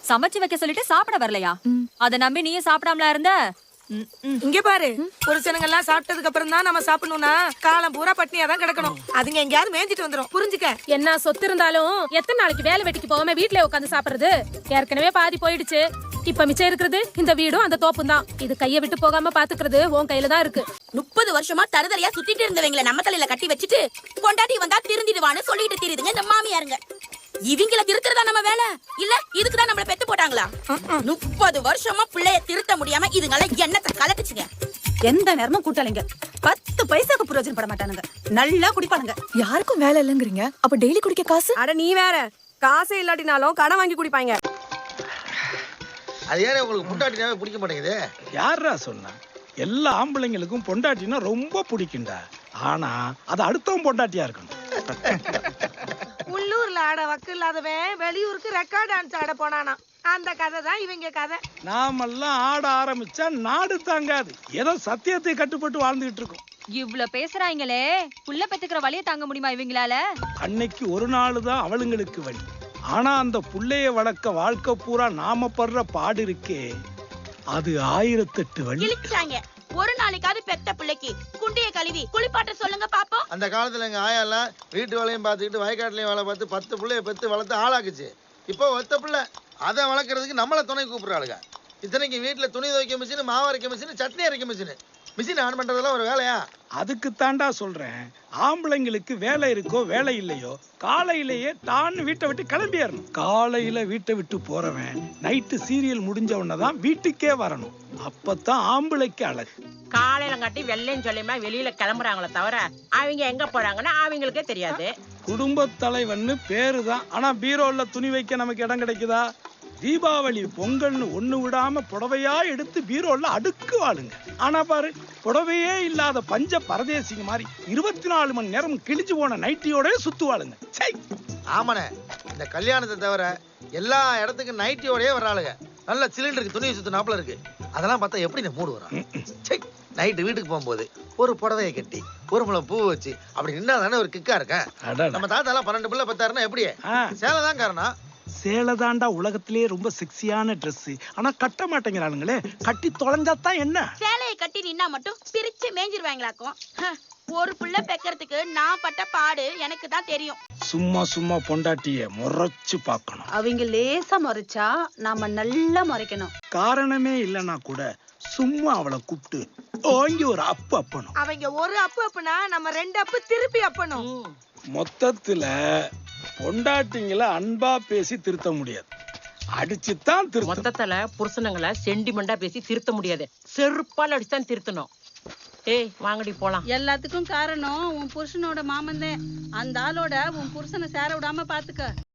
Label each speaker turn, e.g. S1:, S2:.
S1: சமைச்சு வைக்க சொல்லிட்டு சாப்பிட வரலையா? அத நம்பி நீயும் சாப்பிடாமலா இருந்த?
S2: இங்க பாரு, புருஷனுங்க எல்லாம் சாப்பிட்டதுக்கு அப்புறம் தான் நம்ம சாப்பிடணும்னா காலம் பூரா பட்னியா தான் கிடக்கணும். அதுங்க எங்கயாவது மேய்ஞ்சிட்டு வந்துரும், புரிஞ்சுக்க.
S3: என்ன சொத்து இருந்தாலும் எத்தனை நாளைக்கு வேலை வெட்டிக்கு போகாம வீட்லயே உட்காந்து சாப்பிடுறது? ஏற்கனவே பாதி போயிடுச்சு. இப்ப மிச்சம் இருக்கிறது இந்த வீடும் அந்த தோப்பும் தான். இது கைய விட்டு போகாம பாத்துக்கிறது உன் கையில தான் இருக்கு.
S4: 30 வருஷமா தருதலையா சுத்திட்டு இருந்தவங்கள நம்ம தலையில கட்டி வச்சுட்டு கொண்டாடி வந்தா திருந்திடுவான்னு சொல்லிட்டு தெரியுதுங்க இந்த மாமியாருங்க. இவங்கள திருத்துறதா நம்ம வேலை இல்ல? இதுக்குதான் நம்மள பெத்து போட்டாங்களா? 30 வருஷமா பிள்ளைய திருத்த முடியாம இதுங்கள எண்ணத்தை கலட்டுச்சுங்க.
S5: எந்த நேரமும் கூட்டாளிங்க 10 பைசாக்கு பிரயோஜனம் பட மாட்டானுங்க. நல்லா குடிப்பானுங்க.
S6: யாருக்கும் வேலை இல்லங்கறீங்க, அப்ப டெய்லி குடிக்க காசு?
S2: அட நீ வேற, காசே இல்லாட்டினாலும் கடன் வாங்கி குடிப்பாங்க.
S7: அது ஏன் உங்களுக்கு பொண்டாட்டினாவே பிடிக்க மாட்டேங்குது?
S8: யாரா சொன்னா? எல்லா ஆம்பளைங்களுக்கும் பொண்டாட்டினா ரொம்ப பிடிக்கும்டா. ஆனா அது அடுத்தவன் பொண்டாட்டியா இருக்கணும்.
S2: உள்ளூர்ல ஆட வக்கு இல்லாதவன் வெளியூருக்கு ரெக்கார்ட் டான்ஸ் ஆட போனானா. அந்த கதை தான் இவங்க கதை.
S8: நாமெல்லாம் ஆட ஆரம்பிச்சா நாடு தாங்காது. ஏதோ சத்தியத்தை கட்டுப்பட்டு வாழ்ந்துகிட்டு இருக்கோம்.
S1: இவ்ளோ பேசுறாங்களே, புள்ள பெத்துக்கிற வலிய தாங்க முடியுமா இவங்களால?
S8: அன்னைக்கு ஒரு நாள் தான் அவளுங்களுக்கு வழி. ஆனா அந்த புள்ளைய வளர்க்க வாழ்க்கை பூரா நாம படுற பாடு இருக்கே, அது 1008 வழி.
S4: இழிச்சாங்க. ஒரு நாளைக்காவது பெத்த பிள்ளைக்கு குண்டிய கழுவி குளிப்பாட்ட சொல்லுங்க பாப்போம்.
S7: அந்த காலத்துல எங்க ஆயா எல்லாம் வீட்டு வேலையும் பார்த்துக்கிட்டு வயக்காட்டுலயும் வேலை பார்த்து 10 பிள்ளைய பெத்து வளர்த்து ஆளாக்குச்சு. இப்போ ஒத்த பிள்ளை அதை வளர்க்கறதுக்கு நம்மள துணை கூப்பிடுறாளுங்க. இத்தனைக்கு வீட்டுல துணி துவைக்க மிஷின், மாவு அரைக்க மிஷின், சட்னி அரைக்க மிஷின். மிஷின் ஆன் பண்றதெல்லாம் ஒரு வேலையா?
S8: அதுக்கு தாண்டா சொல்றேன், ஆம்பளைங்களுக்கு வேலை இருக்கோ வேலை இல்லையோ காலையிலேயே தான் வீட்டை விட்டு கிளம்பிடணும். காலையில வீட்டை விட்டு போறவன் நைட்டு சீரியல் முடிஞ்ச உடனேதான் வீட்டுக்கே வரணும். அப்பதான் ஆம்பளைக்கு அழகு.
S9: காலையில காட்டி வெள்ளையும் சொல்லியுமா வெளியில கிளம்புறாங்களே தவிர அவங்க எங்க போறாங்கன்னா அவங்களுக்கே தெரியாது.
S8: குடும்ப தலைவன்னு பேருதான், ஆனா பீரோல துணி வைக்க நமக்கு இடம் கிடைக்குதா? தீபாவளி பொங்கல்னு ஒண்ணு விடாம புடவையா எடுத்து பீரோல அடுக்கு வாழுங்க. ஆனா பாரு, புடவையே இல்லாத பஞ்ச பரதேசிங்க மாதிரி 24 மணி நேரம் கிழிஞ்சு போன நைட்டியோட சுத்துவாளுங்க.
S7: ஆமாண்ணே, இந்த கல்யாணத்தை தவிர எல்லா இடத்துக்கும் நைட்டியோடய வர்றாளுங்க. நல்ல சிலிண்டருக்கு துணியை சுத்தினாப்புல இருக்கு. அதெல்லாம் பார்த்தா எப்படி இந்த மூடு வரும்? நைட்டு வீட்டுக்கு போகும்போது ஒரு புடவையை கட்டி ஒரு முளம் பூ வச்சு அப்படி நின்னா தானே ஒரு கிக்கா இருக்கேன். நம்ம தாத்தா எல்லாம் 12 பிள்ளை பத்தாருன்னா எப்படி? சேலை தான் காரணம்.
S8: சேலை தாண்டா உலகத்திலேயே ரொம்ப செக்ஸியான ட்ரெஸ். ஆனா கட்ட மாட்டேங்கிறானுங்களே. கட்டி தொலைஞ்சாதான் என்ன?
S4: சேலையை கட்டி நின்னா மட்டும் பிரிச்சு மேஞ்சிருவாங்களாக்கும். ஒரு புள்ள பெக்கறதுக்கு நான் பட்ட பாடு எனக்கு தான் தெரியும்.
S8: சும்மா சும்மா பொண்டாட்டிய முறைச்சு பார்க்கணும்.
S5: அவங்க லேசா முறைச்சா நாம நல்லா முறைக்கணும்.
S8: காரணமே இல்லைன்னா கூட சும்மா அவளை கூப்பிட்டு ஓங்கி ஒரு அப்பு அப்பணும்.
S2: அவங்க ஒரு அப்பு அப்புனா நம்ம 2 அப்பு திருப்பி அப்பணும்.
S8: மொத்தத்துல பொண்டாட்டிங்களை அன்பா பேசி திருத்த முடியாது, அடிச்சுதான் திருத்த.
S9: மொத்தத்துல புருஷனுங்களை சென்டிமெண்டா பேசி திருத்த முடியாது, செருப்பால் அடிச்சுதான் திருத்தணும். ஏய் வாங்கடி போலாம்.
S10: எல்லாத்துக்கும் காரணம் உன் புருஷனோட மாமன் தான். அந்த ஆளோட உன் புருஷனை சேர விடாம பாத்துக்க.